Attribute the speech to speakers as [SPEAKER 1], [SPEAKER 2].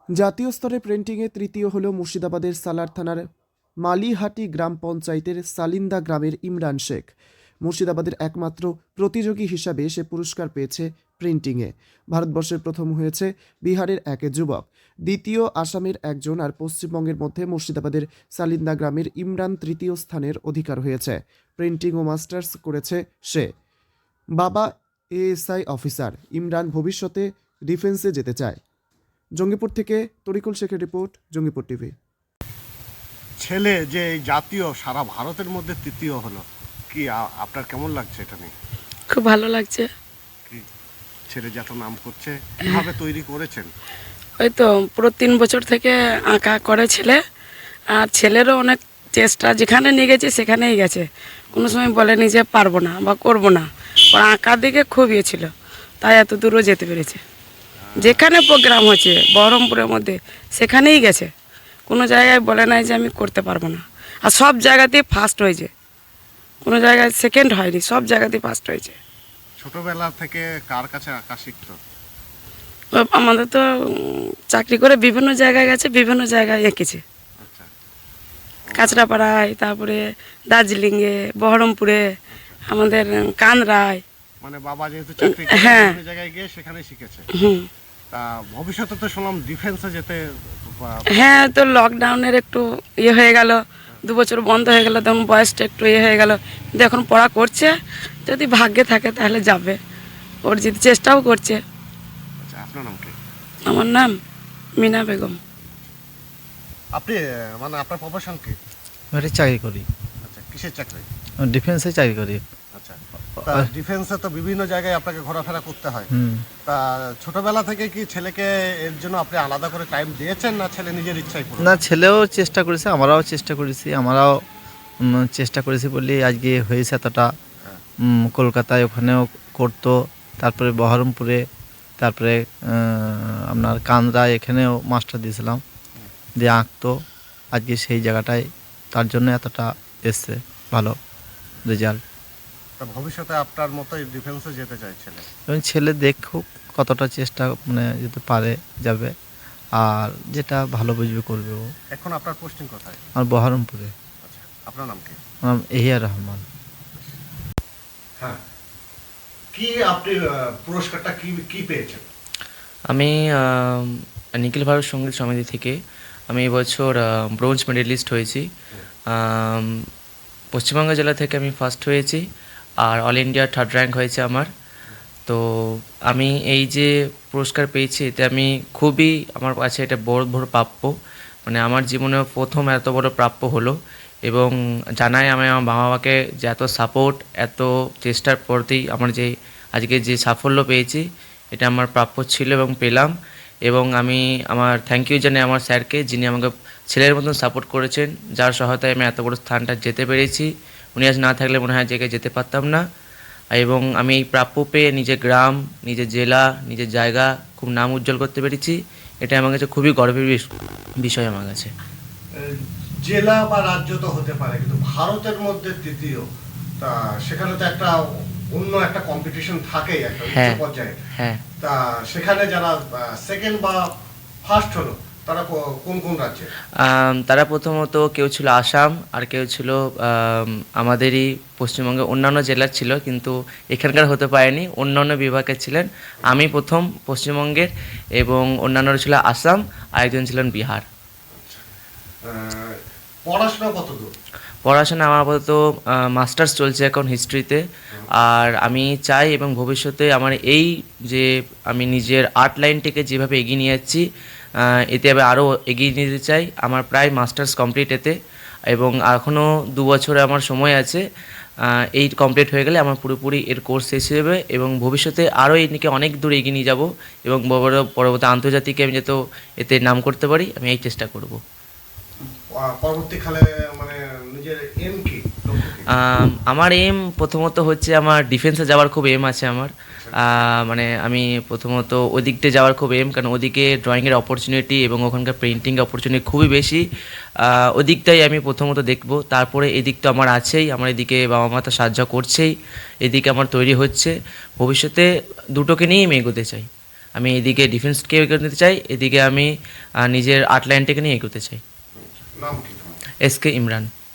[SPEAKER 1] জাতীয় স্তরে প্রিন্টিংয়ে তৃতীয় হল মুর্শিদাবাদের সালার থানার মালিহাটি গ্রাম পঞ্চায়েতের সালিন্দা গ্রামের ইমরান শেখ। মুর্শিদাবাদের একমাত্র প্রতিযোগী হিসাবে সে পুরস্কার পেয়েছে প্রিন্টিংয়ে। ভারতবর্ষের প্রথম হয়েছে বিহারের এক যুবক, দ্বিতীয় আসামের একজন, আর পশ্চিমবঙ্গের মধ্যে মুর্শিদাবাদের সালিন্দা গ্রামের ইমরান তৃতীয় স্থানের অধিকার হয়েছে। প্রিন্টিং ও মাস্টার্স করেছে সে। বাবা এএসআই অফিসার। ইমরান ভবিষ্যতে ডিফেন্সে যেতে চায়। জঙ্গিপুর থেকে তরিকুল শেখের রিপোর্ট, জঙ্গিপুর টিভি।
[SPEAKER 2] ছেলে যে এই জাতীয় সারা ভারতের মধ্যে তৃতীয় হলো, কি আপনার কেমন লাগছে এটা নিয়ে?
[SPEAKER 3] খুব ভালো লাগছে।
[SPEAKER 2] কি ছেলে যত নাম করছে, কিভাবে তৈরি করেছেন?
[SPEAKER 3] ওই তো পুরো 3 বছর থেকে আঁকা করে ছেলে, আর ছেলেরও অনেক চেষ্টা, যেখানে নিয়ে গেছে সেখানেই গেছে, কোনো সময় বলেনি যে পারবো না বা করবো না। ওর আঁকার দিকে খুব ইয়ে ছিল, তাই এত দূরও যেতে পেরেছে। যেখানে প্রোগ্রাম হচ্ছে বহরমপুরের মধ্যে সেখানেই গেছে, কোনো জায়গায় বলে নাই যে আমি করতে পারবো না। আর সব জায়গাতেই ফার্স্ট হয়েছে, কোনো জায়গায় সেকেন্ড হয়নি, সব জায়গাতেই ফার্স্ট হয়েছে।
[SPEAKER 2] ছোটবেলা থেকে কার কাছে আঁকা শিখতো?
[SPEAKER 3] আমাদের তো চাকরি করে বিভিন্ন জায়গায় গেছে, বিভিন্ন জায়গায় এঁকেছে।
[SPEAKER 2] আচ্ছা,
[SPEAKER 3] কাঁচরাপাড়ায়, তারপরে দার্জিলিংয়ে, বহরমপুরে, আমাদের কানরায়।
[SPEAKER 2] মানে বাবা যেহেতু চাকরি করে
[SPEAKER 3] হ্যাঁ।
[SPEAKER 2] বিভিন্ন জায়গায় গিয়ে সেখানে শিখেছে।
[SPEAKER 3] হুম।
[SPEAKER 2] তা ভবিষ্যতে তো শুনলাম ডিফেন্সে যেতে
[SPEAKER 3] হ্যাঁ, তো লকডাউনের একটু ইয়ে হয়ে গেল, 2 বছর বন্ধ হয়ে গেল, তখন বয়সটা একটু ইয়ে হয়ে গেল, কিন্তু এখন পড়া করছে, যদি ভাগ্যে থাকে তাহলে যাবে। ওর যদি চেষ্টাও করছে।
[SPEAKER 2] আচ্ছা, আপনার নাম কি?
[SPEAKER 3] আমার নাম মিনা বেগম।
[SPEAKER 2] আপনি মানে আপনার প্রফেশন কি?
[SPEAKER 4] আমি চাকরি করি,
[SPEAKER 2] আচ্ছা, কিসের চাকরি?
[SPEAKER 4] ডিফেন্সে চাকরি করি।
[SPEAKER 2] আচ্ছা, তা ডিফেন্সে তো বিভিন্ন জায়গায় আপনাকে ঘোরাফেরা করতে হয়।
[SPEAKER 4] হুম।
[SPEAKER 2] তা ছোটবেলা থেকে কি ছেলেকে এর জন্য আপনি আলাদা করে টাইম দিয়েছেন, না ছেলে নিজের ইচ্ছাই করে?
[SPEAKER 4] না, ছেলেও চেষ্টা করেছে, আমরাও চেষ্টা করেছি, আমরাও চেষ্টা করেছি বলে আজকে হয়েছে এতটা। কলকাতায় ওখানেও করতো, তারপরে বহরমপুরে, তারপরে আপনার কান্দ্রায়, এখানেও মাস্টার দিয়েছিলাম, দিয়ে আঁকতো। আজকে সেই জায়গাটায় তার জন্য এতটা এসছে ভালো রেজাল্ট।
[SPEAKER 2] তা ভবিষ্যতে আপনার মতোই ডিফেন্সে যেতে চাই ছেলে?
[SPEAKER 4] এবং ছেলে দেখুক কতটা চেষ্টা মানে যেতে পারে যাবে, আর যেটা ভালো বুঝবে করবে ও।
[SPEAKER 2] এখন আপনার পোস্টিং কোথায়?
[SPEAKER 4] আর বহরমপুরে।
[SPEAKER 2] আচ্ছা, আপনার নাম কি?
[SPEAKER 4] আমার নাম এহিয়া রহমান।
[SPEAKER 2] হ্যাঁ, কি আপনি পুরস্কারটা কি কি পেয়েছেন?
[SPEAKER 5] আমি নিখিল ভারত সঙ্গীত সমিতি থেকে আমি এবছর ব্রোঞ্জ মেডেলিস্ট হয়েছি। পশ্চিমবঙ্গ জেলা থেকে আমি ফার্স্ট হয়েছি, আর অল ইন্ডিয়া 3rd র্যাঙ্ক হয়েছে আমার। তো আমি এই যে পুরস্কার পেয়েছি, এতে আমি খুবই, আমার কাছে এটা বড় প্রাপ্য। মানে আমার জীবনে প্রথম এত বড় প্রাপ্য হলো, এবং জানাই আমি আমার বাবা মাকে যে এত সাপোর্ট, এত চেষ্টার প্রতি আমার যে আজকে যে সাফল্য পেয়েছি, এটা আমার প্রাপ্য ছিল এবং পেলাম। এবং আমি আমার থ্যাংক ইউ জানাই আমার স্যারকে, যিনি আমাকে ছেলের মতন সাপোর্ট করেছেন, যার সহায়তায় আমি এত বড় স্থানটা যেতে পেরেছি। উনি আজ না থাকলে মনে হয় জায়গায় যেতে পারতাম না। এবং আমি এই প্রাপ্য পেয়ে নিজের গ্রাম, নিজের জেলা, নিজের জায়গা খুব নাম উজ্জ্বল করতে পেরেছি। এটা আমার কাছে খুবই গর্বের বিষয় আমার কাছে।
[SPEAKER 2] জেলা বা রাজ্য তো হতে পারে, কিন্তু ভারতের মধ্যে তৃতীয়, তা সেখানে তো একটা অন্য একটা কম্পিটিশন থাকেই একটা উচ্চ পর্যায়ে।
[SPEAKER 5] হ্যাঁ,
[SPEAKER 2] তা সেখানে যারা সেকেন্ড বা ফার্স্ট হলো, তারা কোন কোন রাজ্যে?
[SPEAKER 5] তারা প্রথমত কেউ ছিল আসাম, আর কেউ ছিল আমাদেরই পশ্চিমবঙ্গে অন্যান্য জেলার ছিল, কিন্তু এখানকার হতে পারেনি, অন্যান্য বিভাগের ছিলেন। আমি প্রথম পশ্চিমবঙ্গের, এবং অন্যান্যরা ছিল আসাম, আর একজন ছিলেন বিহার।
[SPEAKER 2] পড়াশোনা কত দূর?
[SPEAKER 5] পড়াশোনা আমার আপাতত মাস্টার্স চলছে এখন হিস্ট্রিতে। আর আমি চাই এবং ভবিষ্যতে আমার এই যে আমি নিজের আর্ট লাইনটিকে যেভাবে এগিয়ে নিয়ে যাচ্ছি, এতে আমি আরও এগিয়ে নিতে চাই। আমার প্রায় মাস্টার্স কমপ্লিট এতে, এবং এখনও 2 বছরে আমার সময় আছে। এই কমপ্লিট হয়ে গেলে আমার পুরোপুরি এর কোর্স শেষ হয়ে যাবে, এবং ভবিষ্যতে আরও এই নিয়ে অনেক দূর এগিয়ে নিয়ে যাবো, এবং পরবর্তী আন্তর্জাতিকে আমি যাতে এতে নাম করতে পারি, আমি এই চেষ্টা করব।
[SPEAKER 2] পরবর্তীকালে মানে নিজের এম কি?
[SPEAKER 5] আমার এম প্রথমত হচ্ছে আমার ডিফেন্সে যাওয়ার খুব এম আছে আমার। মানে আমি প্রথমত ওদিকটা যাওয়ার খুব এম, কারণ ওদিকে ড্রয়িংয়ের অপরচুনিটি এবং ওখানকার পেন্টিং অপরচুনিটি খুবই বেশি। ওদিকটাই আমি প্রথমত দেখব। তারপরে এদিক তো আমার আছেই, আমার এদিকে বাবা মা তো সাহায্য করছেই, এদিকে আমার তৈরি হচ্ছে। ভবিষ্যতে দুটোকে নিয়েই আমি এগোতে চাই। আমি এদিকে ডিফেন্সকে এগোতে নিতে চাই, এদিকে আমি নিজের আর্ট লাইনটাকে নিয়ে এগোতে চাই।
[SPEAKER 2] নাম কি তোমার?
[SPEAKER 5] এসকে ইমরান।